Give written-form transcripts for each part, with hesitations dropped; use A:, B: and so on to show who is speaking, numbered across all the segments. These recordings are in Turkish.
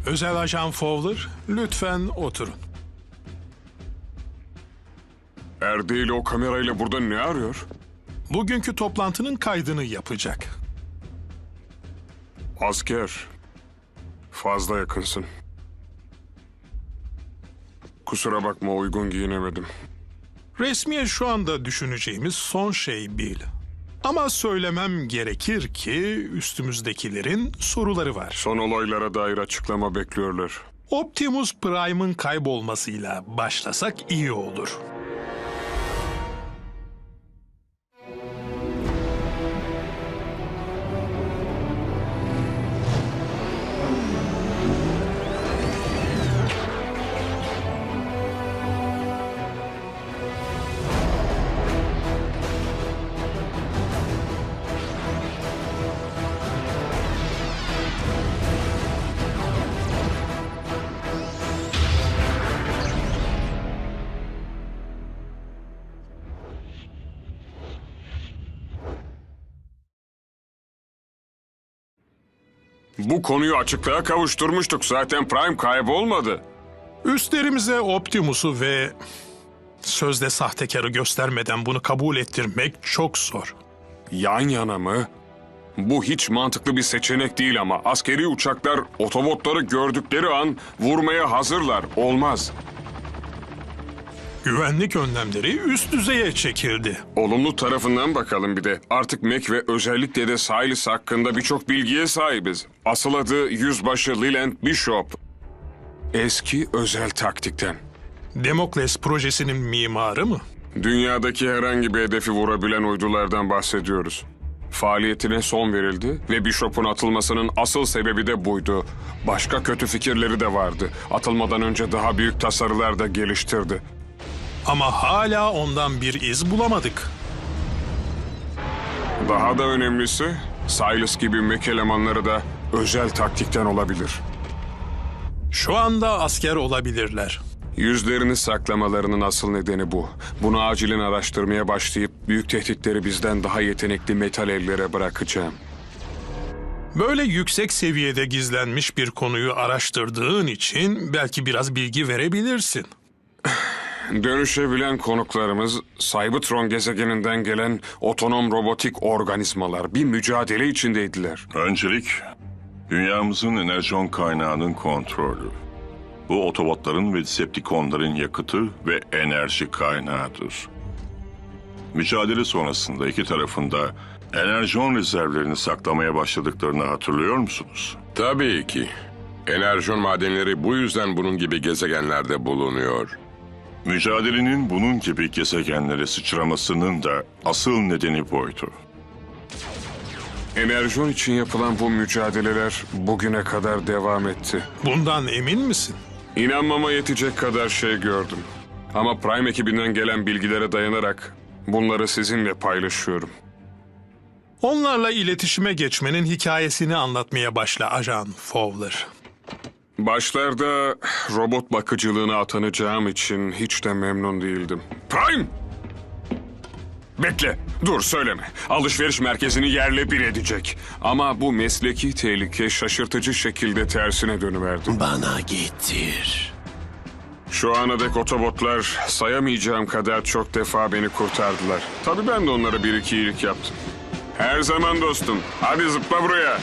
A: Özel Ajan Fowler, lütfen oturun.
B: Erdil o kamerayla burada ne arıyor?
A: Bugünkü toplantının kaydını yapacak.
B: Asker. Fazla yakınsın. Kusura bakma, uygun giyinemedim.
A: Resmiye şu anda düşüneceğimiz son şey Bill. Ama söylemem gerekir ki üstümüzdekilerin soruları var.
B: Son olaylara dair açıklama bekliyorlar.
A: Optimus Prime'ın kaybolmasıyla başlasak iyi olur.
B: Bu konuyu açıklığa kavuşturmuştuk. Zaten Prime kaybolmadı.
A: Üstlerimize Optimus'u ve sözde sahtekarı göstermeden bunu kabul ettirmek çok zor.
B: Yan yana mı? Bu hiç mantıklı bir seçenek değil ama askeri uçaklar otobotları gördükleri an vurmaya hazırlar. Olmaz.
A: Güvenlik önlemleri üst düzeye çekildi.
B: Olumlu tarafından bakalım bir de. Artık Mac ve özellikle de Silas hakkında birçok bilgiye sahibiz. Asıl adı Yüzbaşı Leland Bishop. Eski özel taktikten.
A: Demokles projesinin mimarı mı?
B: Dünyadaki herhangi bir hedefi vurabilen uydulardan bahsediyoruz. Faaliyetine son verildi ve Bishop'un atılmasının asıl sebebi de buydu. Başka kötü fikirleri de vardı. Atılmadan önce daha büyük tasarılar da geliştirdi.
A: Ama hala ondan bir iz bulamadık.
B: Daha da önemlisi, Silas gibi Mac elemanları da özel taktikten olabilir.
A: Şu anda asker olabilirler.
B: Yüzlerini saklamalarının asıl nedeni bu. Bunu acilen araştırmaya başlayıp büyük tehditleri bizden daha yetenekli metal ellere bırakacağım.
A: Böyle yüksek seviyede gizlenmiş bir konuyu araştırdığın için belki biraz bilgi verebilirsin.
B: Dönüşebilen konuklarımız Cybertron gezegeninden gelen otonom robotik organizmalar bir mücadele içindeydiler.
C: Öncelik, dünyamızın enerjon kaynağının kontrolü. Bu otobotların ve Decepticonların yakıtı ve enerji kaynağıdır. Mücadele sonrasında iki tarafında enerjon rezervlerini saklamaya başladıklarını hatırlıyor musunuz?
D: Tabii ki. Enerjon madenleri bu yüzden bunun gibi gezegenlerde bulunuyor.
C: Mücadelenin bunun gibi gezegenlere sıçramasının da asıl nedeni buydu.
B: Enerjon için yapılan bu mücadeleler bugüne kadar devam etti.
A: Bundan emin misin?
B: İnanmama yetecek kadar şey gördüm. Ama Prime ekibinden gelen bilgilere dayanarak bunları sizinle paylaşıyorum.
A: Onlarla iletişime geçmenin hikayesini anlatmaya başla Ajan Fowler.
B: Başlarda robot bakıcılığına atanacağım için hiç de memnun değildim. Prime! Bekle, dur söyleme. Alışveriş merkezini yerle bir edecek. Ama bu mesleki tehlike şaşırtıcı şekilde tersine dönüverdi.
E: Bana getir.
B: Şu ana dek otobotlar sayamayacağım kadar çok defa beni kurtardılar. Tabii ben de onlara bir iki iyilik yaptım. Her zaman dostum. Hadi zıpla buraya.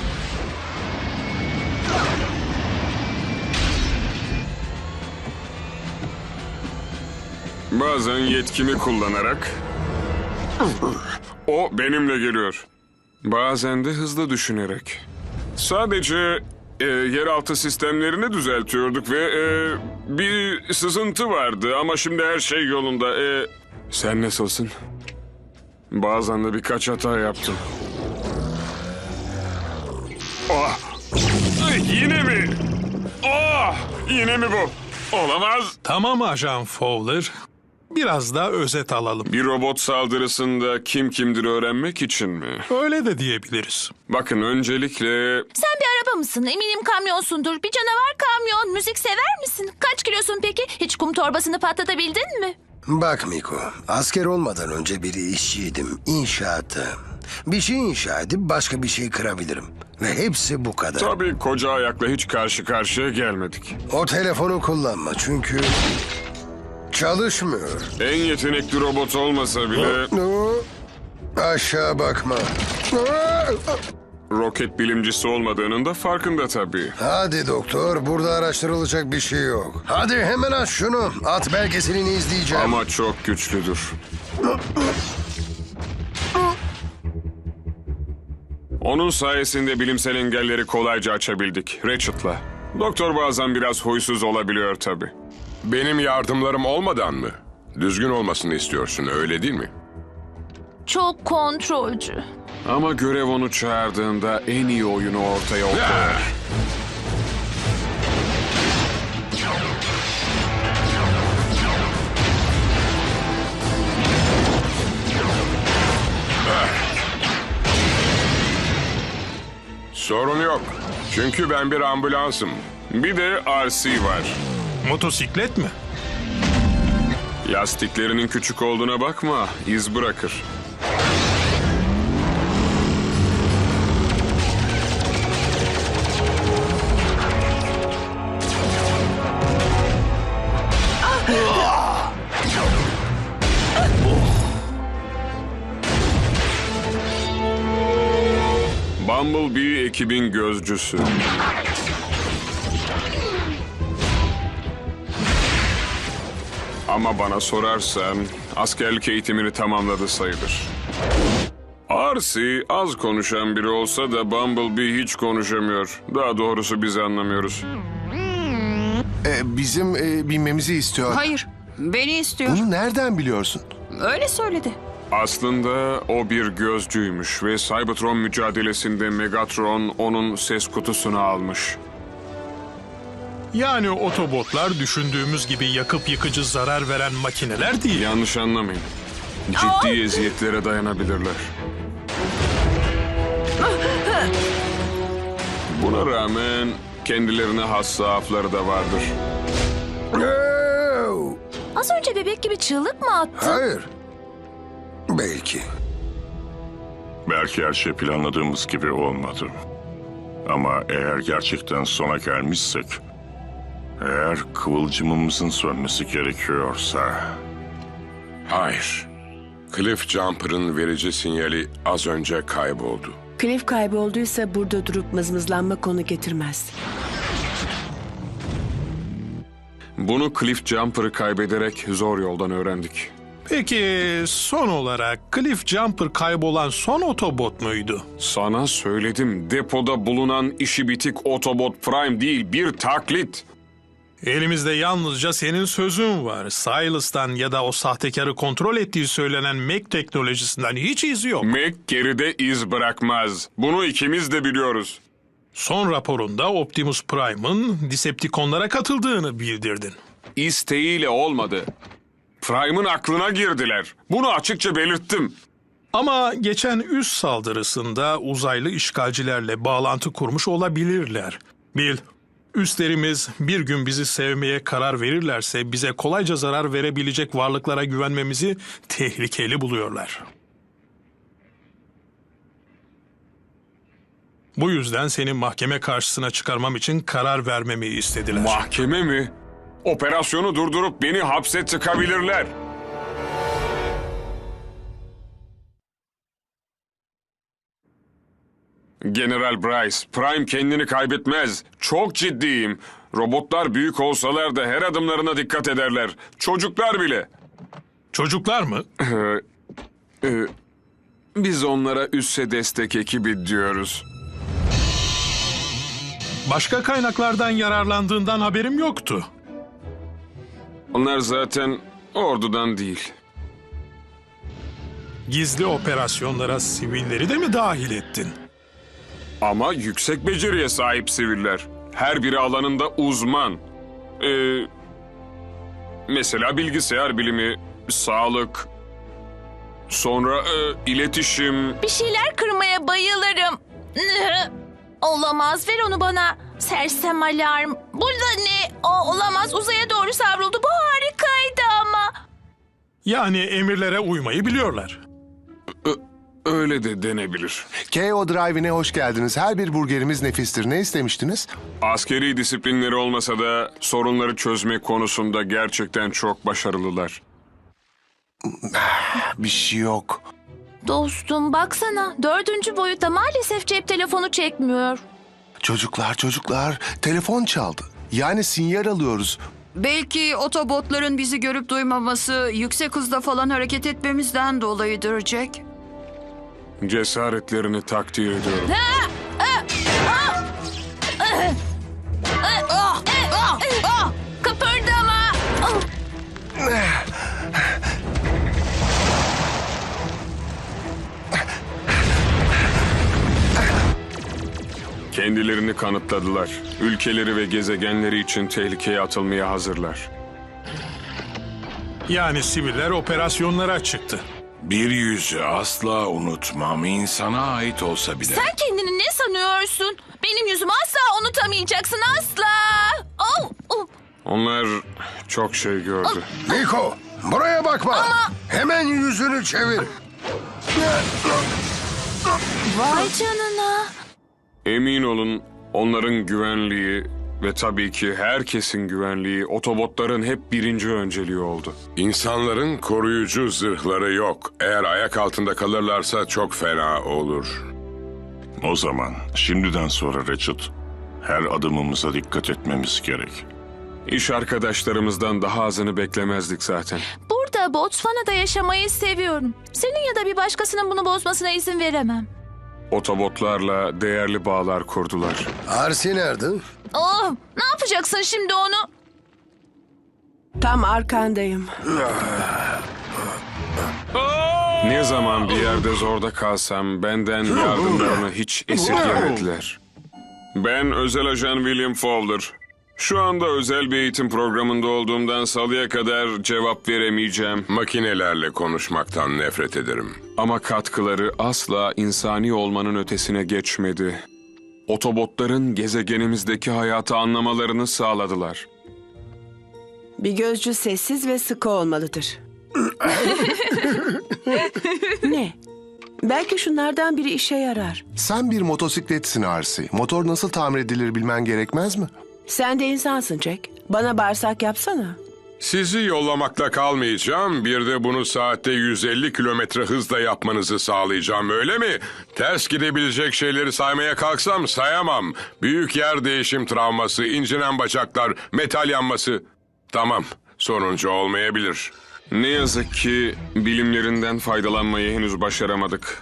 B: Bazen yetkimi kullanarak o benimle geliyor. Bazen de hızlı düşünerek. Sadece yeraltı sistemlerini düzeltiyorduk ve bir sızıntı vardı ama şimdi her şey yolunda. Sen nasılsın? Bazen de birkaç hata yaptım. Ah! Yine mi? Ah! Yine mi bu? Olamaz.
A: Tamam Ajan Fowler. Biraz da özet alalım.
B: Bir robot saldırısında kim kimdir öğrenmek için mi?
A: Öyle de diyebiliriz.
B: Bakın öncelikle
F: Sen bir araba mısın? Eminim kamyonsundur. Bir canavar kamyon. Müzik sever misin? Kaç kilosun peki? Hiç kum torbasını patlatabildin mi?
G: Bak Miko, asker olmadan önce bir işçiydim, inşaatta. Bir şey inşa edip başka bir şey kırabilirim. Ve hepsi bu kadar.
B: Tabii koca ayakla hiç karşı karşıya gelmedik.
G: O telefonu kullanma çünkü çalışmıyor.
B: En yetenekli robot olmasa bile
G: Aşağı bakma.
B: roket bilimcisi olmadığının da farkında tabii.
G: Hadi doktor, burada araştırılacak bir şey yok. Hadi hemen aç şunu. At belgeselini izleyeceğim.
B: Ama çok güçlüdür. Onun sayesinde bilimsel engelleri kolayca açabildik. Ratchet'la. Doktor bazen biraz huysuz olabiliyor tabii.
D: Benim yardımlarım olmadan mı? Düzgün olmasını istiyorsun, öyle değil mi?
F: Çok kontrolcü.
B: Ama görev onu çağırdığında en iyi oyunu ortaya koyar.
D: Sorun yok. Çünkü ben bir ambulansım.
B: Bir de RC var.
A: Motosiklet mi?
B: Lastiklerinin küçük olduğuna bakma, iz bırakır. Bumblebee ekibin gözcüsü. Ama bana sorarsan askerlik eğitimini tamamladı sayılır. Arsi az konuşan biri olsa da Bumblebee hiç konuşamıyor. Daha doğrusu biz anlamıyoruz.
H: Bizim binmemizi istiyor.
I: Hayır, beni istiyor.
H: Bunu nereden biliyorsun?
I: Öyle söyledi.
B: Aslında o bir gözcüymüş ve Cybertron mücadelesinde Megatron onun ses kutusunu almış.
A: Yani Autobotlar düşündüğümüz gibi yakıp yıkıcı zarar veren makineler değil.
B: Yanlış anlamayın. Ciddi eziyetlere dayanabilirler. Buna rağmen kendilerine has zaafları da vardır.
G: No!
F: Az önce bebek gibi çığlık mı attın?
G: Hayır. Belki.
C: Belki her şey planladığımız gibi olmadı. Ama eğer gerçekten sona gelmişsek... Eğer kıvılcımımızın sönmesi gerekiyorsa...
D: Hayır. Cliff Jumper'ın verici sinyali az önce kayboldu.
J: Cliff kaybolduysa burada durup mızmızlanma konu getirmez.
B: Bunu Cliff Jumper'ı kaybederek zor yoldan öğrendik.
A: Peki son olarak Cliff Jumper kaybolan son Autobot muydu?
B: Sana söyledim, depoda bulunan işi bitik Autobot Prime değil, bir taklit.
A: Elimizde yalnızca senin sözün var. Silas'tan ya da o sahtekarı kontrol ettiği söylenen Mac teknolojisinden hiç iz yok.
B: Mac geride iz bırakmaz. Bunu ikimiz de biliyoruz.
A: Son raporunda Optimus Prime'ın Decepticonlara katıldığını bildirdin.
B: İsteğiyle olmadı. Prime'ın aklına girdiler. Bunu açıkça belirttim.
A: Ama geçen üs saldırısında uzaylı işgalcilerle bağlantı kurmuş olabilirler. Bil, üstlerimiz bir gün bizi sevmeye karar verirlerse bize kolayca zarar verebilecek varlıklara güvenmemizi tehlikeli buluyorlar. Bu yüzden seni mahkeme karşısına çıkarmam için karar vermemi istediler.
B: Mahkeme mi? Operasyonu durdurup beni hapse tıkabilirler. General Bryce, Prime kendini kaybetmez. Çok ciddiyim. Robotlar büyük olsalar da her adımlarına dikkat ederler. Çocuklar bile.
A: Çocuklar mı?
B: Biz onlara üsse destek ekibi diyoruz.
A: Başka kaynaklardan yararlandığından haberim yoktu.
B: Onlar zaten ordudan değil.
A: Gizli operasyonlara sivilleri de mi dahil ettin?
B: Ama yüksek beceriye sahip siviller. Her biri alanında uzman. Mesela bilgisayar bilimi, sağlık, sonra iletişim.
F: Bir şeyler kırmaya bayılırım. Olamaz, ver onu bana. Sersem alarm. Burada ne? O olamaz, uzaya doğru savruldu. Bu harikaydı ama.
A: Yani emirlere uymayı biliyorlar.
B: Öyle de denebilir.
H: KO Drive'ine hoş geldiniz. Her bir burgerimiz nefistir. Ne istemiştiniz?
B: Askeri disiplinleri olmasa da sorunları çözme konusunda gerçekten çok başarılılar.
H: Bir şey yok.
F: Dostum baksana 4. boyutta maalesef cep telefonu çekmiyor.
H: Çocuklar, telefon çaldı. Yani sinyal alıyoruz.
I: Belki otobotların bizi görüp duymaması yüksek hızda falan hareket etmemizden dolayıdır Jack.
B: Cesaretlerini takdir ediyorum.
F: Kıpırdama.
B: Kendilerini kanıtladılar. Ülkeleri ve gezegenleri için tehlikeye atılmaya hazırlar.
A: Yani siviller operasyonlara çıktı.
E: Bir yüzü asla unutmam, insana ait olsa bile.
F: Sen kendini ne sanıyorsun? Benim yüzümü asla unutamayacaksın asla. Oh, oh.
B: Onlar çok şey gördü.
G: Niko, buraya bakma. Hemen yüzünü çevir.
F: Vay canına.
B: Emin olun onların güvenliği ve tabii ki herkesin güvenliği otobotların hep birinci önceliği oldu.
D: İnsanların koruyucu zırhları yok. Eğer ayak altında kalırlarsa çok fena olur.
C: O zaman şimdiden sonra Ratchet, her adımımıza dikkat etmemiz gerek.
B: İş arkadaşlarımızdan daha azını beklemezdik zaten.
F: Burada Botswana'da yaşamayı seviyorum. Senin ya da bir başkasının bunu bozmasına izin veremem.
B: Otobotlarla değerli bağlar kurdular.
G: Arsi nerede?
F: Oh, ne yapacaksın şimdi onu?
J: Tam arkandayım.
B: Ne zaman bir yerde zorda kalsam benden yardımlarını hiç esirgemediler. Ben özel ajan William Fowler. Şu anda özel bir eğitim programında olduğumdan salıya kadar cevap veremeyeceğim.
D: Makinelerle konuşmaktan nefret ederim.
B: Ama katkıları asla insani olmanın ötesine geçmedi. Otobotların gezegenimizdeki hayatı anlamalarını sağladılar.
J: Bir gözcü sessiz ve sıkı olmalıdır. Ne? Belki şunlardan biri işe yarar.
H: Sen bir motosikletsin Arsi. Motor nasıl tamir edilir bilmen gerekmez mi?
J: Sen de insansın Jack. Bana bağırsak yapsana.
D: Sizi yollamakla kalmayacağım. Bir de bunu saatte 150 kilometre hızla yapmanızı sağlayacağım, öyle mi? Ters gidebilecek şeyleri saymaya kalksam sayamam. Büyük yer değişim travması, incinen bacaklar, metal yanması. Tamam, sonuncu olmayabilir.
B: Ne yazık ki bilimlerinden faydalanmayı henüz başaramadık.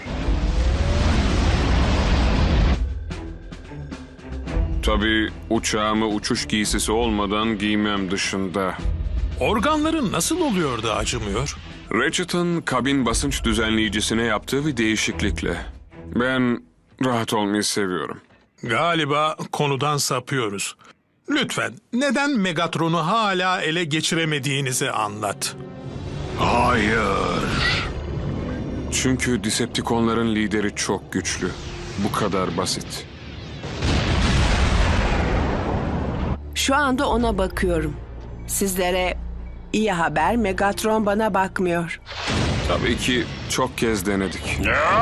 B: Tabii uçağımı uçuş giysisi olmadan giymem dışında.
A: Organların nasıl oluyor da acımıyor?
B: Ratchet'ın kabin basınç düzenleyicisine yaptığı bir değişiklikle. Ben rahat olmayı seviyorum.
A: Galiba konudan sapıyoruz. Lütfen neden Megatron'u hala ele geçiremediğinizi anlat.
E: Hayır.
B: Çünkü Decepticonların lideri çok güçlü. Bu kadar basit.
J: Şu anda ona bakıyorum. Sizlere iyi haber, Megatron bana bakmıyor.
B: Tabii ki çok kez denedik.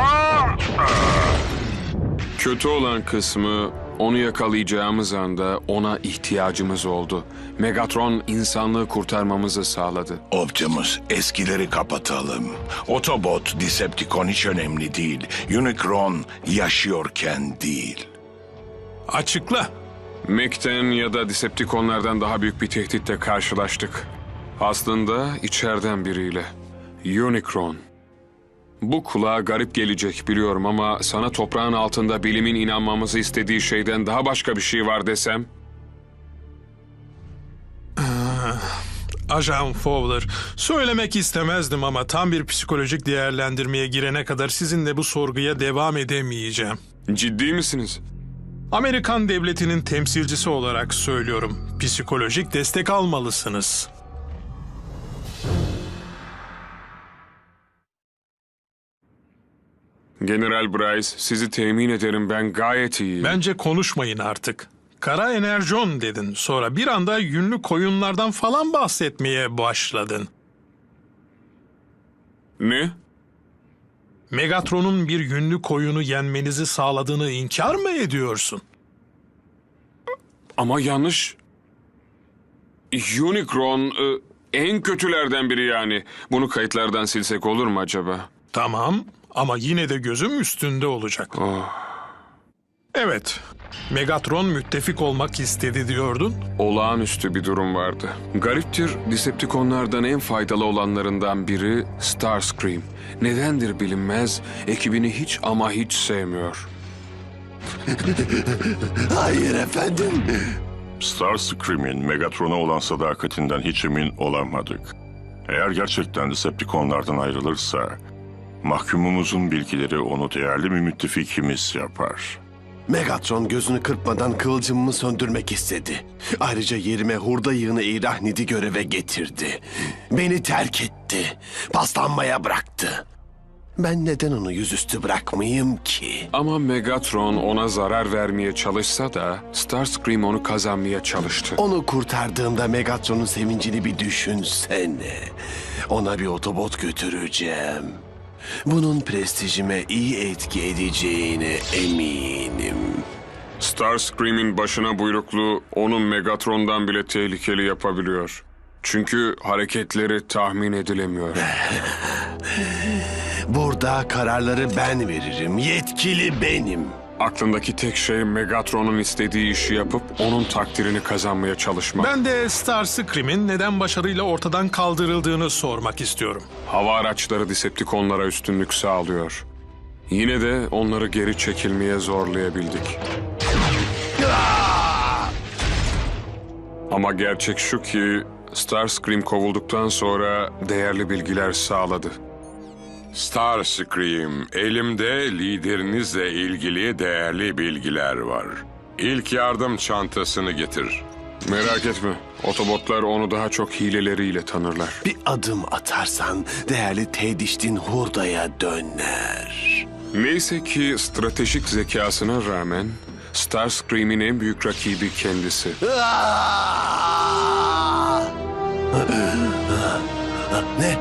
B: Kötü olan kısmı onu yakalayacağımız anda ona ihtiyacımız oldu. Megatron insanlığı kurtarmamızı sağladı.
E: Optimus, eskileri kapatalım. Autobot, Decepticon hiç önemli değil. Unicron yaşıyorken değil.
A: Açıkla.
B: Mech'ten ya da Decepticonlardan daha büyük bir tehditle karşılaştık. Aslında içeriden biriyle. Unicron. Bu kulağa garip gelecek biliyorum ama sana toprağın altında bilimin inanmamızı istediği şeyden daha başka bir şey var desem...
A: Ajan Fowler, söylemek istemezdim ama tam bir psikolojik değerlendirmeye girene kadar sizinle bu sorguya devam edemeyeceğim.
B: Ciddi misiniz?
A: Amerikan devletinin temsilcisi olarak söylüyorum. Psikolojik destek almalısınız.
B: General Bryce, sizi temin ederim ben gayet iyiyim.
A: Bence konuşmayın artık. Kara enerjon dedin. Sonra bir anda yünlü koyunlardan falan bahsetmeye başladın.
B: Ne?
A: Megatron'un bir yünlü koyunu yenmenizi sağladığını inkar mı ediyorsun?
B: Ama yanlış. Unicron en kötülerden biri yani. Bunu kayıtlardan silsek olur mu acaba?
A: Tamam ama yine de gözüm üstünde olacak. Evet, Megatron müttefik olmak istedi diyordun.
B: Olağanüstü bir durum vardı. Gariptir, Decepticonlardan en faydalı olanlarından biri Starscream. Nedendir bilinmez, ekibini hiç ama hiç sevmiyor.
G: Hayır efendim.
C: Starscream'in Megatron'a olan sadakatinden hiç emin olamadık. Eğer gerçekten Decepticonlardan ayrılırsa, mahkumumuzun bilgileri onu değerli bir müttefikimiz yapar.
H: Megatron gözünü kırpmadan kıvılcımımı söndürmek istedi. Ayrıca yerime hurda yığını İrahnid'i göreve getirdi. Beni terk etti. Paslanmaya bıraktı. Ben neden onu yüzüstü bırakmayayım ki?
B: Ama Megatron ona zarar vermeye çalışsa da Starscream onu kazanmaya çalıştı.
H: Onu kurtardığımda Megatron'un sevincini bir düşünsene. Ona bir otobot götüreceğim. Bunun prestijime iyi etki edeceğine eminim.
B: Starscream'in başına buyrukluğu onun Megatron'dan bile tehlikeli yapabiliyor. Çünkü hareketleri tahmin edilemiyor.
H: Burada kararları ben veririm. Yetkili benim.
B: Aklındaki tek şey Megatron'un istediği işi yapıp onun takdirini kazanmaya çalışmak.
A: Ben de Starscream'in neden başarıyla ortadan kaldırıldığını sormak istiyorum.
B: Hava araçları Decepticonlara üstünlük sağlıyor. Yine de onları geri çekilmeye zorlayabildik. Ama gerçek şu ki Starscream kovulduktan sonra değerli bilgiler sağladı.
D: Starscream, elimde liderinizle ilgili değerli bilgiler var. İlk yardım çantasını getir.
B: Merak etme, Otobotlar onu daha çok hileleriyle tanırlar.
H: Bir adım atarsan değerli Tediştin hurdaya döner.
B: Neyse ki stratejik zekasına rağmen Starscream'in en büyük rakibi kendisi.
H: Ne?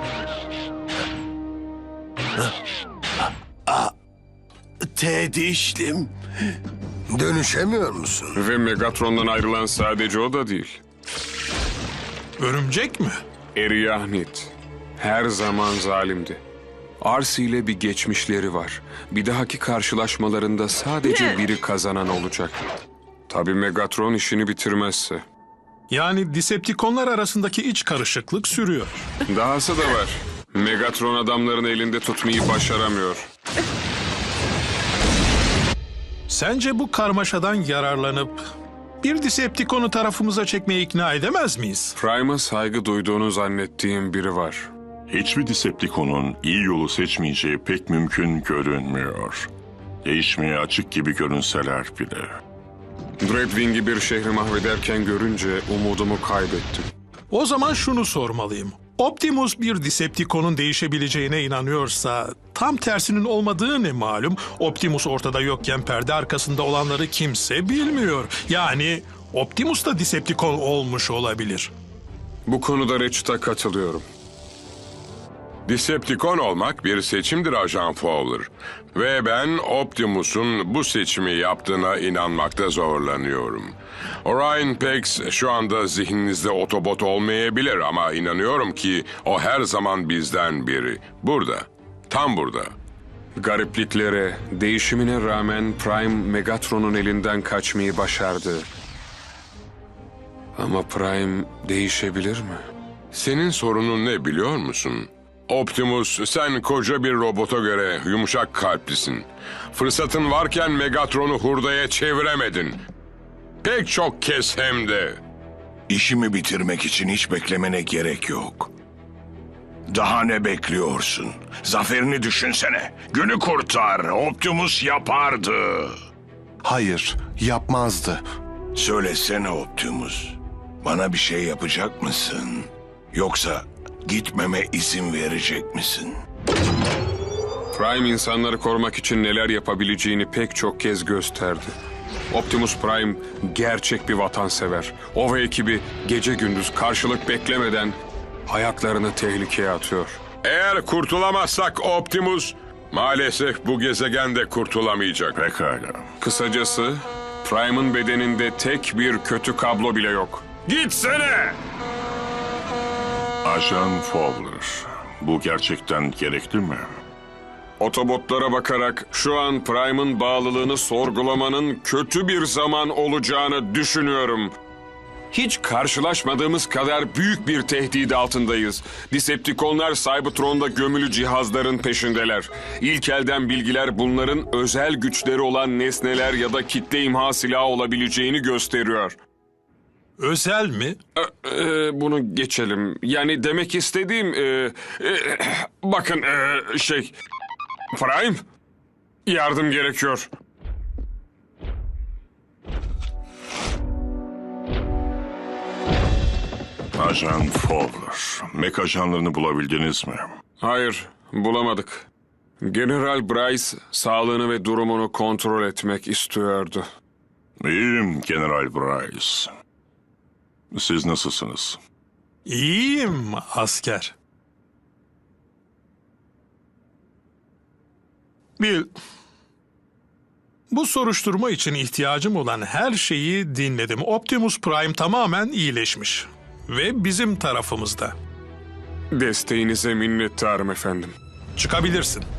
H: Tedişlim.
G: Dönüşemiyor musun?
B: Ve Megatron'dan ayrılan sadece o da değil.
A: Örümcek mi?
B: Eriyahnid her zaman zalimdi. Arsi ile bir geçmişleri var. Bir dahaki karşılaşmalarında sadece biri kazanan olacak. Tabii Megatron işini bitirmezse.
A: Yani Decepticonlar arasındaki iç karışıklık sürüyor.
B: Dahası da var. Megatron adamların elinde tutmayı başaramıyor.
A: Sence bu karmaşadan yararlanıp bir Decepticon'u tarafımıza çekmeye ikna edemez miyiz?
B: Prime'a saygı duyduğunu zannettiğim biri var.
C: Hiçbir Decepticon'un iyi yolu seçmeyeceği pek mümkün görünmüyor. Değişmeye açık gibi görünseler bile.
B: Dreadwing'i bir şehri mahvederken görünce umudumu kaybettim.
A: O zaman şunu sormalıyım. Optimus bir Decepticon'un değişebileceğine inanıyorsa tam tersinin olmadığı ne malum? Optimus ortada yokken perde arkasında olanları kimse bilmiyor. Yani Optimus da Decepticon olmuş olabilir.
B: Bu konuda Ratchet'a katılıyorum.
D: Decepticon olmak bir seçimdir Ajan Fowler. Ve ben Optimus'un bu seçimi yaptığına inanmakta zorlanıyorum. Orion Pax şu anda zihninizde Autobot olmayabilir ama inanıyorum ki o her zaman bizden biri. Burada, tam burada.
B: Garipliklere, değişimine rağmen Prime Megatron'un elinden kaçmayı başardı. Ama Prime değişebilir mi?
D: Senin sorunun ne biliyor musun? Optimus, sen koca bir robota göre yumuşak kalplisin. Fırsatın varken Megatron'u hurdaya çeviremedin. Pek çok kez hem de.
E: İşimi bitirmek için hiç beklemene gerek yok. Daha ne bekliyorsun? Zaferini düşünsene. Günü kurtar. Optimus yapardı.
H: Hayır, yapmazdı.
E: Söylesene Optimus. Bana bir şey yapacak mısın? Yoksa gitmeme izin verecek misin?
B: Prime insanları korumak için neler yapabileceğini pek çok kez gösterdi. Optimus Prime gerçek bir vatansever. O ve ekibi gece gündüz karşılık beklemeden hayatlarını tehlikeye atıyor.
D: Eğer kurtulamazsak Optimus, maalesef bu gezegen de kurtulamayacak.
C: Pekala.
B: Kısacası Prime'ın bedeninde tek bir kötü kablo bile yok. Gitsene!
C: Ajan Fowler, bu gerçekten gerekli mi?
B: Otobotlara bakarak şu an Prime'ın bağlılığını sorgulamanın kötü bir zaman olacağını düşünüyorum. Hiç karşılaşmadığımız kadar büyük bir tehdit altındayız. Decepticonlar Cybertron'da gömülü cihazların peşindeler. İlk elden bilgiler bunların özel güçleri olan nesneler ya da kitle imha silahı olabileceğini gösteriyor.
A: Özel mi?
B: Bunu geçelim. Yani demek istediğim... bakın Prime, yardım gerekiyor.
C: Ajan Fowler, Mek ajanlarını bulabildiniz mi?
B: Hayır, bulamadık. General Bryce sağlığını ve durumunu kontrol etmek istiyordu.
C: İyiyim General Bryce. Siz nasılsınız?
A: İyiyim asker. Bil, bu soruşturma için ihtiyacım olan her şeyi dinledim. Optimus Prime tamamen iyileşmiş ve bizim tarafımızda.
B: Desteğinize minnettarım efendim.
A: Çıkabilirsin.